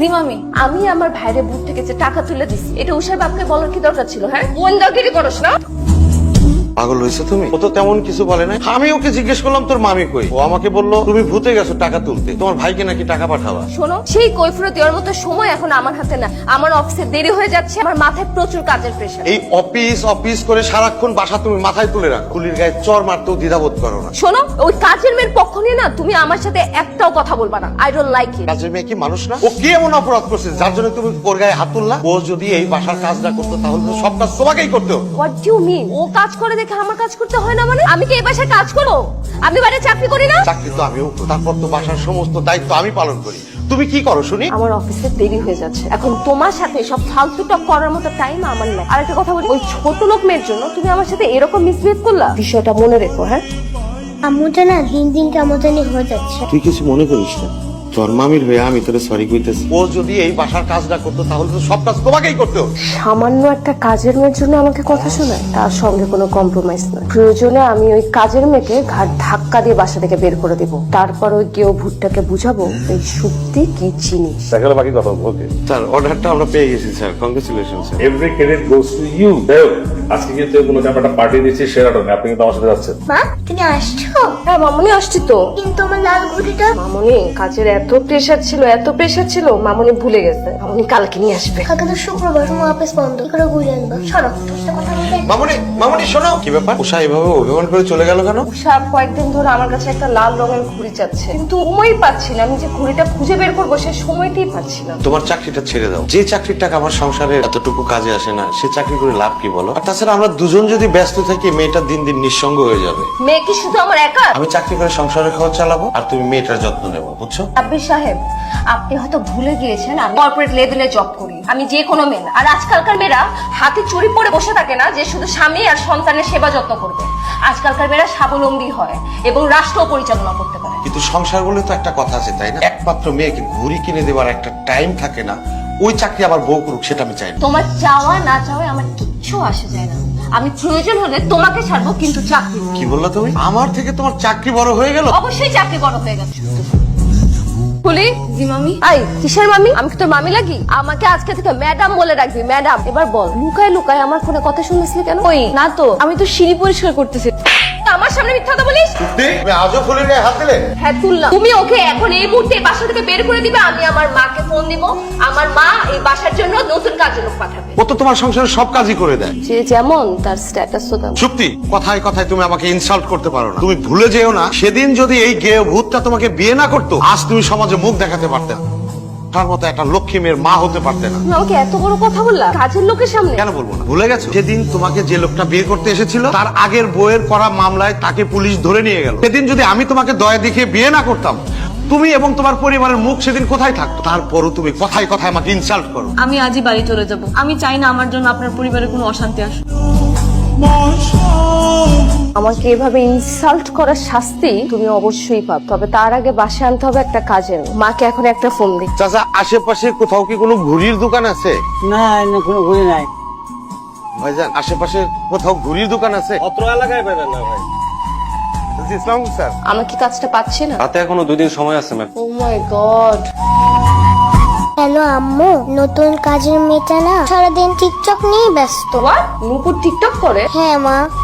জি মামি। আমি আমার ভাইয়ের বুট থেকে যে টাকা তুলে দিছি, এটা উষার বাপকে বলার কি দরকার ছিল? হ্যাঁ, কোন দরকারই করস না? পাগল হয়েছে তুমি? ও তো তেমন কিছু বলে না। আমি ওকে জিজ্ঞেস করলাম তোর মামি কই, ও আমাকে বললো তুমি ভূতে গেছো টাকা তুলতে, তোমার ভাইকে নাকি টাকা পাঠাবা। শোনো, সেই কৈফিয়ত দেওয়ার মতো সময় এখন আমার হাতে না। আমার অফিসে দেরি হয়ে যাচ্ছে, আমার মাথায় প্রচুর কাজের প্রেশার। এই অফিস অফিস করে সারাক্ষণ বাসা তুমি মাথায় তুলে রাখো, কুলির গায়ে চর মারতেও দ্বিধাবোধ করো না। শোনো, ওই কাজের মেয়ের পক্ষ নিয়ে না তুমি আমার সাথে একটাও কথা বলবা না। I don't like it. কাজের মেয়ে কি মানুষ না? ও কি এমন অপরাধ করছে যার জন্য তুমি ওর গায়ে হাত তুললা? ও যদি এই বাসার কাজ না করতো তাহলে তো সব কাজ তোমাকেই করতে হতো। What do you mean? ও কাজ করে দেখে আমার কাজ করতে হয় না মানে? আমি কি এই বাসায় কাজ করো? আমি বাইরে চাকরি করি না? চাকরি তো আমিও করি, তারপর তো বাসার সমস্ত দায়িত্ব আমি পালন করি। তুমি কি করো শুনি? আমার অফিসে দেরি হয়ে যাচ্ছে, এখন তোমার সাথে সব ফালতু টক করার মতো টাইম আমার নাই। আর একটা কথা বলি, ওই ছোট লোক মেয়ের জন্য তুমি আমার সাথে এরকম মিসবিহেভ করলা, বিষয়টা মনে রেখো। হ্যাঁ, আম্মুটা না দিন দিন কেমন জানি হয়ে যাচ্ছে। তুই কিছু মনে করিস না, তোর মামির হয়ে আমি তোরে সরি কইতেছি। ও যদি এই বাসার কাজ না করতো তাহলে তো সব কাজ তোমাকেই করতে হতো। সামান্য একটা কাজের মেয়ের জন্য আমাকে কথা শোনায়, তার সঙ্গে কোনো কম্প্রোমাইজ নয়। প্রয়োজনে আমি ওই কাজের মেয়েকে ঘাট ধাক্কা দিয়ে বাসা থেকে বের করে দিব, তারপর ওই কেউ ভুট্টাকে বুঝাবো এই সত্যি কি জিনিস। দেখালে বাকি কথা ওকে। স্যার অর্ডারটা আমরা পেয়ে গেছি sir, congratulation sir. Every credit goes to you. আজকে কিন্তু কোনো একটা পার্টি দিচ্ছি সেরাটনে, আপনি কিন্তু আমার সাথে যাচ্ছেন। মা তুমি আসছো? হ্যাঁ মামনি আসছি তো। কিন্তু আমার লাল ঘুড়িটা মামনি কাজের এত প্রেশার ছিল মামনি ভুলে গেছে। মামনি কালকে নিয়ে আসবে। কালকে তো শুক্রবার, তোমার অফিস বন্ধ, কি করে ঘুরে আনবো? সরো, তোর সাথে কথা বলতে। মামুনি মামুনি শোনো, কি ব্যাপার? উষা এভাবে অভিমান করে চলে গেল কেন? উষা কয়েকদিন ধরে আমার কাছে একটা লাল রঙের ঘুড়ি চাচ্ছে, কিন্তু সময়ই পাচ্ছি না। আমি যে ঘুড়িটা খুঁজে বের করবো সে সময়টাই পাচ্ছি না। তোমার চাকরিটা ছেড়ে দাও, যে চাকরির টাকা আমার সংসারে এতটুকু কাজে আসে না, সে চাকরি করে লাভ কি বলো? আর তাছাড়া আমরা দুজন যদি ব্যস্ত থাকি মেয়েটা দিন দিন নিঃসঙ্গ হয়ে যাবে। মেয়ে কি শুধু আমার একা? আমি চাকরি করে সংসারের খরচ চালাবো আর তুমি মেয়েটার যত্ন নেবো, বুঝছো? আব্বির সাহেব, আপনি হয়তো ভুলে গিয়েছেন আমি কর্পোরেট লেভেলে জব করি। আমি যে কোনো মেয়ে না। আর আজকালকার মেয়েরা হাতে চুরি পরে বসে থাকে না যে শুধু স্বামী আর সন্তানের সেবা যত্ন করবে। আজকালকার মেয়েরা স্বাবলম্বী হয় এবং রাষ্ট্র পরিচালনা করতে পারে। কিন্তু সংসার বলে তো একটা কথা আছে, তাই না? একমাত্র মেয়েকে ঘুড়ি কিনে দেওয়ার একটা টাইম থাকে না, ওই চাকরি আবার বউ করুক, সেটা আমি চাই না। তোমার চাওয়া না চাওয়া আমার কিচ্ছু আসে যায় না। আমি প্রয়োজন হলে তোমাকে ছাড়বো, কিন্তু চাকরি না। কি বললা তুমি? আমার থেকে তোমার চাকরি বড় হয়ে গেল? অবশ্যই চাকরি বড় হয়ে গেছে। বলি জি মামি। আই কিসের মামি? আমি কি তোর মামি লাগি? আমাকে আজকে থেকে ম্যাডাম বলে রাখবি, ম্যাডাম। এবার বল, লুকায় লুকায় আমার ফোনে কথা শুনেছিলি কেন? ওই না তো, আমি তো সিঁড়ি পরিষ্কার করতেছি। আমার সামনে মিথ্যা কথা বলিস? তুমি আজও ফুলের গায়ে হাত দিলে? হ্যাঁ তুললাম। তুমি ওকে এখন এই মুহূর্তে বাসা থেকে বের করে দিবে। আমি আমার মাকে ফোন দিব, আমার মা এই বাসার জন্য নতুন কাজের লোক পাঠাবে। ও তো তোমার সংসারের সব কাজই করে দেয়। যে যেমন তার স্ট্যাটাস তো তেমন। চুক্তি, কথায় কথায় তুমি আমাকে ইনসাল্ট করতে পারো না। তুমি ভুলে যেও না, সেদিন যদি এই গেয়ে ভূতটা তোমাকে বিয়ে না করতো, আজ তুমি সমাজে মুখ দেখাতে পারতে না, তার মতো একটা লক্ষ্মী মেয়ের মা হতে পারতে না। তুমি আমাকে এত বড় কথা বললা কাজের লোকের সামনে? কেন বলবো না? ভুলে গেছো সেদিন তোমাকে যে লোকটা বিয়ে করতে এসেছিল তার আগের বউয়ের করা মামলায় তাকে পুলিশ ধরে নিয়ে গেল। সেদিন যদি আমি তোমাকে দয়া দেখিয়ে বিয়ে না করতাম, তুমি এবং তোমার পরিবারের মুখ সেদিন কোথায় থাকতো? তারপরও তুমি কথায় কথায় আমাকে ইনসাল্ট করো। আমি আজই বাড়ি চলে যাব। আমি চাই না আমার জন্য আপনার পরিবারে কোনো অশান্তি আসুক। আমাকে এভাবে ইনসাল্ট করার শাস্তি তুমি অবশ্যই পাবে, তবে তার আগে বাসায় আনতে হবে একটা কাজের মেয়ে। মাকে এখন একটা ফোন দিই। চাচা, আশেপাশে কোথাও কি কোনো ঘুড়ির দোকান আছে? না না, কোনো ঘুরি নাই। ভাইজান, আশেপাশে কোথাও ঘুড়ির দোকান আছে? অত্র এলাকায় পেলেন না ভাই। জি, ইসলাম স্যার। আমার কি কাজটা পাচ্ছি না? হাতে এখনো 2 দিন সময় আছে ma'am. Oh my God. Hello আম্মু, নতুন কাজের মেয়েটা না সারাদিন টিকটক নিয়ে ব্যস্ত। নূপুর টিকটক করে? হ্যাঁ মা।